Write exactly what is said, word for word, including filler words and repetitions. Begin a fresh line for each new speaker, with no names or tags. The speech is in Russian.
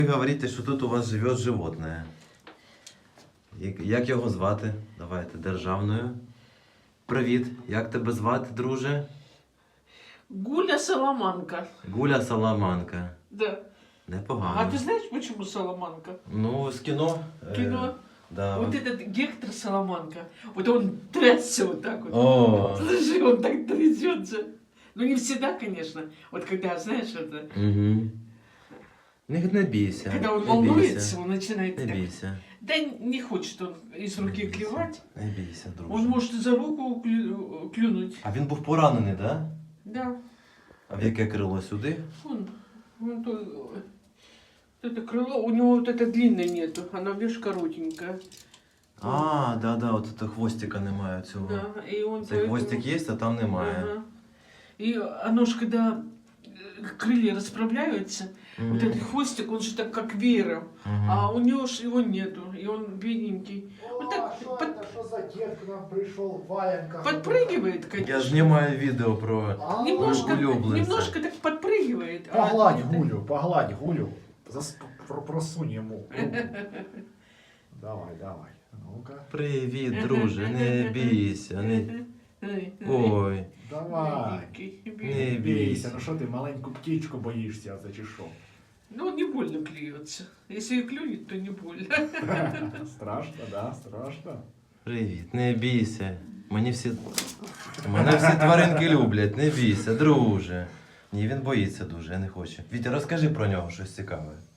Ви говорите, що тут у вас живе животне. Як- Як його звати? Давайте, державною. Привіт, як тебе звати, друже?
Гуля Соломанка.
Гуля Саламанка.
Да.
Непогано.
А ты знаешь, почему Соломанка?
Ну, з кіно. е,
Кино.
Да.
Вот этот Гектор Соломанка. Вот он трясся вот так вот.
О.
Слушай, он так трясется. Ну, не всегда, конечно. Вот когда, знаешь, это...
Угу. Не, не бійся.
Когда он
не
волнуется,
бійся.
он начинает
Не
так...
бійся.
Да не хочет он из
Не
руки
бійся.
клевать.
Не бійся, друже.
Он может за руку клю- клюнуть.
А він був поранений, так? Да?
Да.
А в яке крило сюди?
Он, он то, это крыло, у него вот это длинное нету, оно, видишь, коротенькое.
А, да, да, от це хвостика немає цього.
Да, и он
Цей
поэтому-
хвостик є, а там немає.
Ага. И оно ж, когда э, крылья расправляются,
Мгм.
вот этот хвостик, он же так как веером,
Мгм.
а у него ж его нету, и он бедненький.
О,
Вот так
что
под-
это? Что за дед к нам пришел в валенках?
подпрыгивает, конечно.
Я ж знімаю відео про...
А,
Немножко,
улюбленца.
немножко так подпрыгивает. а
Погладь
это-
Гулю, погладь Гулю. Зас... про- Просунь ему. руку. Давай, давай. Ну-ка.
Привіт, друже, не бійся, не...
Ай, ай.
Ой,
Давай.
Бедненький,
не
бедненький.
Бійся,
бійся.
ну що ти маленьку птічку боїшся, це чи що?
Ну, он не больно клюется. Если и клюнет, то не больно.
Страшно, да, страшно.
Привіт, не бійся. Мені всі... Мене всі тваринки люблять, не бійся, друже. Ні, він боїться дуже, я не хочу. Вітя, розкажи про нього щось цікаве.